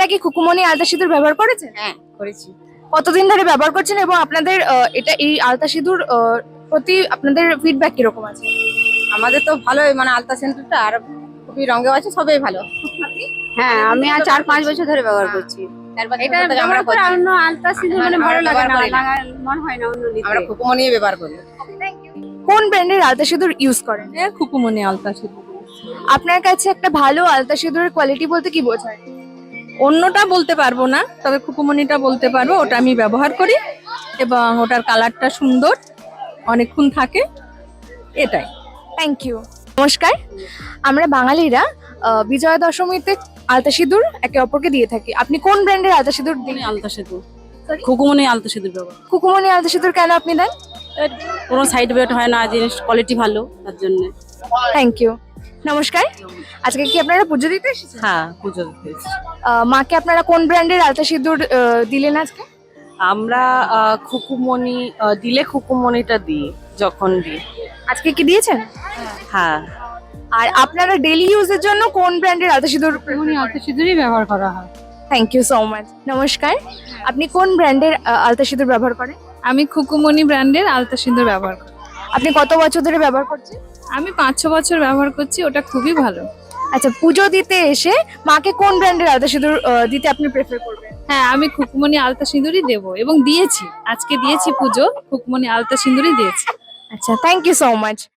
কি খুকুমনি আলতা সিঁদুর ব্যবহার করেছেন? হ্যাঁ করেছি। কতদিন ধরে ব্যবহার করছেন এবং আপনাদের এই আলতা সিঁদুর প্রতি আপনাদের ফিডব্যাক কিরকম আছে? আমাদের তো ভালোই, মানে আলতা সেন্টারটা আর খুবই রঙেও আছে, সবই ভালো। হ্যাঁ আমি আর 4-5 বছর ধরে ব্যবহার করছি। এটা আমরা ব্যবহার করে অন্য আলতা সিঁদুর মানে ভালো লাগে না, ব্যবহার করি না। মন হয় না অন্য নিতে। আমরা খুকুমনি ব্যবহার করি। কোন ব্র্যান্ডের আলতা সিঁদুর ইউজ করেন? খুকুমনি আলতা সিঁদুর। আপনার কাছে একটা ভালো আলতা সিঁদুরের কোয়ালিটি বলতে কি বোঝায়? অন্যটা বলতে পারবো না, তবে খুকুমনিটা বলতে পারবো, ওটা আমি ব্যবহার করি এবং ওটার কালারটা সুন্দর, অনেকক্ষণ থাকে, এটাই। Thank you. নমস্কার, আমরা বাঙালিরা বিজয়া দশমীতে আলতা সিঁদুর একে অপরকে দিয়ে থাকি। আপনি কোন ব্র্যান্ডের আলতা সিঁদুর দিন? আলতা সিঁদুর, খুকুমনি আলতা সিঁদুর ব্যবহার। খুকুমনি আলতা সিঁদুর কেন আপনি দেন? কোনো সাইড এফেক্ট হয় না, জিনিস কোয়ালিটি ভালো, তার জন্য। Thank you. নমস্কার, আজকে কি আপনারা পুজো দিতে এসেছেন? হ্যাঁ, পুজো দিতে এসেছি। মাকে আপনারা কোন ব্র্যান্ডের আলতা সিঁদুর দিলেন আজকে? আমরা খুকুমনি দিলে খুকুমনিটা দিই যখন দিই। আজকে কি দিয়েছেন? হ্যাঁ, আর আপনারা ডেইলি ইউজের জন্য কোন ব্র্যান্ডের আলতা সিঁদুর? আলতা সিঁদুরই ব্যবহার করা হয়। Thank you so much. নমস্কার, আপনি কোন ব্র্যান্ডের আলতা সিঁদুর ব্যবহার করেন? আমি খুকুমনি ব্র্যান্ডের আলতা সিঁদুর ব্যবহার করি। আপনি কত বছর ধরে ব্যবহার করছেন? আমি 5-6 বছর ব্যবহার করছি, ওটা খুবই ভালো। আচ্ছা, পুজো দিতে এসে মাকে কোন ব্র্যান্ডের আলতা সিঁদুর দিতে আপনি প্রেফার করবেন? হ্যাঁ আমি খুকুমনি আলতা সিঁদুরই দেবো এবং দিয়েছি, আজকে দিয়েছি পুজো, খুকুমনি আলতা সিঁদুরই দিয়েছি। আচ্ছা, থ্যাংক ইউ সো মাচ।